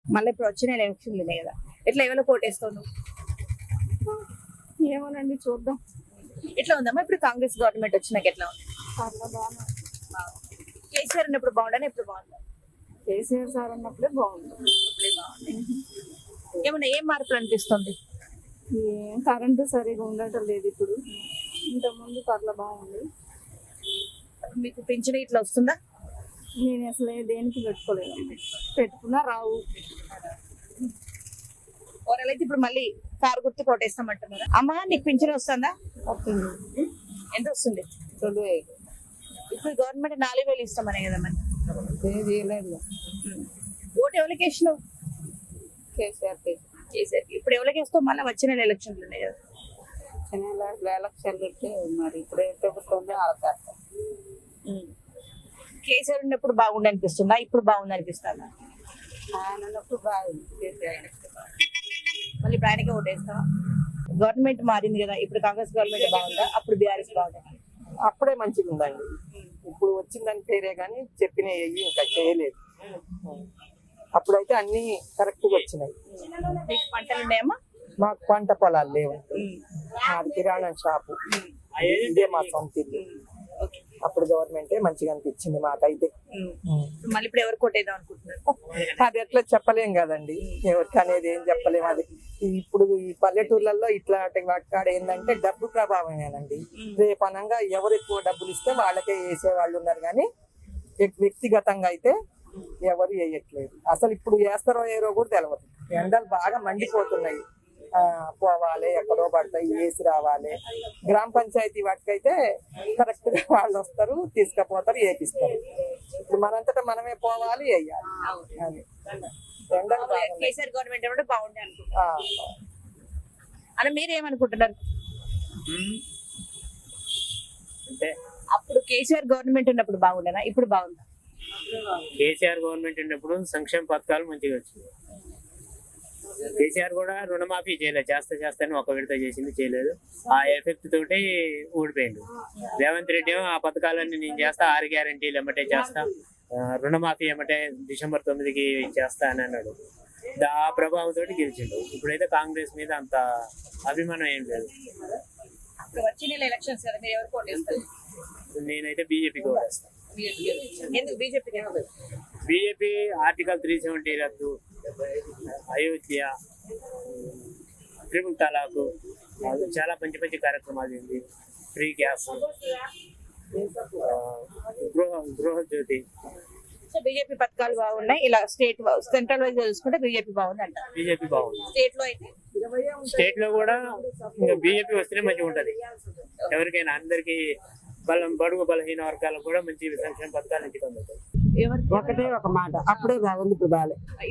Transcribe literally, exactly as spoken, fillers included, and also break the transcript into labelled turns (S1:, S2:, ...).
S1: మళ్ళీ ఇప్పుడు వచ్చిన ఎలక్షన్లు ఉన్నాయి కదా, ఎట్లా ఎవరో కోటేస్తావు నువ్వు?
S2: ఏమోనండి చూద్దాం.
S1: ఎట్లా ఉందమ్మా ఇప్పుడు కాంగ్రెస్ గవర్నమెంట్ వచ్చినాక ఎట్లా ఉంది?
S2: పర్లా బాగా
S1: కేసీఆర్ ఉన్నప్పుడు బాగుండని ఇప్పుడు బాగుందా?
S2: కేసీఆర్ సార్ ఉన్నప్పుడే బాగుంది.
S1: ఏమన్నా ఏం మార్పులు అనిపిస్తుంది?
S2: ఏం కరెంటు సరిగా ఉండటం లేదు ఇప్పుడు. ఇంతకుముందు పర్లా బాగుంది.
S1: మీకు పింఛన్ ఇట్లా వస్తుందా?
S2: నేను అసలు ఏ దేనికి పెట్టుకోలేదు. పెట్టుకున్నా రావు.
S1: ఓవరాల్ అయితే ఇప్పుడు మళ్ళీ కారు గుర్తు కోటేస్తామంటున్నారు. అమ్మా నీకు పింఛన్ వస్తుందా?
S2: వస్తుంది.
S1: ఎంత వస్తుంది?
S2: రెండు వేలు.
S1: ఇప్పుడు గవర్నమెంట్ నాలుగు వేలు ఇస్తామనే కదా మరి.
S2: ఏం చేయలేదు.
S1: ఓటు ఎవరికి వేసినావు?
S2: కేసీఆర్
S1: కేసీఆర్. ఇప్పుడు ఎవరికి వేస్తావు? మళ్ళీ వచ్చిన ఎలక్షన్లు ఉన్నాయి కదా.
S2: ఎలక్షన్ పెడితే మరి ఇప్పుడు ఏ ప్రభుత్వం ఆడతారు.
S1: కేసీఆర్ ఉన్నప్పుడు బాగుండి అనిపిస్తుందా? ఇప్పుడు బాగుంది అనిపిస్తుందా?
S2: ఆయన ఉన్నప్పుడు బాగుంది. కేసీఆర్
S1: మళ్ళీ ఇప్పుడు ఆయనకే ఓటేస్తావా? గవర్నమెంట్ మారింది కదా, ఇప్పుడు కాంగ్రెస్ గవర్నమెంట్ బాగుందా, అప్పుడు బీఆర్ఎస్ బాగుందా?
S3: అప్పుడే మంచిగా ఉందండి. ఇప్పుడు వచ్చిందని పేరే కానీ చెప్పిన ఇంకా చేయలేదు. అప్పుడైతే అన్ని కరెక్ట్ గా వచ్చినాయి.
S1: మీకు పంటలు ఉన్నాయమ్మా?
S3: మాకు పంట పొలాలు లేవు. మాది కిరాణా షాపు, ఇదే మా సొంత ఇల్లు. అప్పుడు గవర్నమెంటే మంచిగా అనిపించింది మాకైతే.
S1: మళ్ళీ ఇప్పుడు ఎవరు కొట్టేద్దాం అనుకుంటున్నారు?
S3: అది ఎట్లా చెప్పలేం కదండి, ఎవరికి అనేది ఏం చెప్పలేము. అది ఇప్పుడు ఈ పల్లెటూర్లలో ఇట్లా వాటి ఏంటంటే డబ్బు ప్రభావమేనండి. రేపు అనంగా ఎవరు ఎక్కువ డబ్బులు ఇస్తే వాళ్ళకే వేసే వాళ్ళు ఉన్నారు, కానీ వ్యక్తిగతంగా అయితే ఎవరు వేయట్లేదు. అసలు ఇప్పుడు వేస్తారో ఏరో కూడా తెలియదు. ఎండలు బాగా మండిపోతున్నాయి. ఆ పోవాలి, ఎక్కడో పడతాయి, వేసి రావాలి. గ్రామ పంచాయతీ వాటికైతే కరెక్ట్ గా వాళ్ళు వస్తారు, తీసుకుపోతారు, వేపిస్తారు. ఇప్పుడు మనంతటా మనమే పోవాలి, వేయాలి. అది ఎండలు
S1: కేసీఆర్ గవర్నమెంట్ కూడా బాగుండే అనుకుంటున్నారు. అని మీరేమనుకుంటున్నారు?
S4: అంటే
S1: అప్పుడు కేసీఆర్ గవర్నమెంట్ ఉన్నప్పుడు బాగుండేనా, ఇప్పుడు బాగుందా?
S4: కేసీఆర్ గవర్నమెంట్ ఉన్నప్పుడు సంక్షేమ పథకాలు మంచిగా వచ్చింది. కేసీఆర్ కూడా రుణమాఫీ చేయలేదు, చేస్తా చేస్తాను ఒక విడత చేసింది, చేయలేదు. ఆ ఎఫెక్ట్ తోటి ఊడిపోయింది. రేవంత్ రెడ్డి ఏమో ఆ పథకాలన్నీ నేను చేస్తా, ఆరు గ్యారంటీలు ఎమ్మటే చేస్తా, రుణమాఫీ ఎమ్మటే డిసెంబర్ తొమ్మిదికి చేస్తా అని అన్నాడు. ఆ ప్రభావం తోటి గెలిచిండు. ఇప్పుడైతే కాంగ్రెస్ మీద అంత అభిమానం ఏం లేదు.
S1: వచ్చిన ఎలక్షన్స్ కదా, మీరు ఎవరు కోటేస్తారు?
S4: నేనైతే బీజేపీకి ఓటేస్తాను.
S1: ఎందుకు BJP?
S4: BJP article three seventy రద్దు, అయోధ్య, ట్రిపుల్ తలాకు, చాలా మంచి మంచి కార్యక్రమాలు ఉంది. ఫ్రీ గ్యాస్, గృహ గృహ జ్యోతి.
S1: సో బీజేపీ పథకాలు బాగున్నాయి. ఇలా స్టేట్ సెంట్రల్ వైజ్ చూసుకుంటే బీజేపీ బాగుంది అంటారు.
S4: బీజేపీ బాగుంది.
S1: స్టేట్ లో అయితే
S4: స్టేట్ లో కూడా ఇంకా బీజేపీ వస్తేనే మంచిగా ఉంటది. ఎవరికైనా అందరికి బలం బడుగు బలహీన వర్గాలకు కూడా మంచి సంక్షేమ పథకాలు ఇంటికి అందుతాయి.
S1: ఎవరికి
S3: ఒకటే ఒక మాట, అప్పుడే బాగుంది, ఇప్పుడు బాగాలే.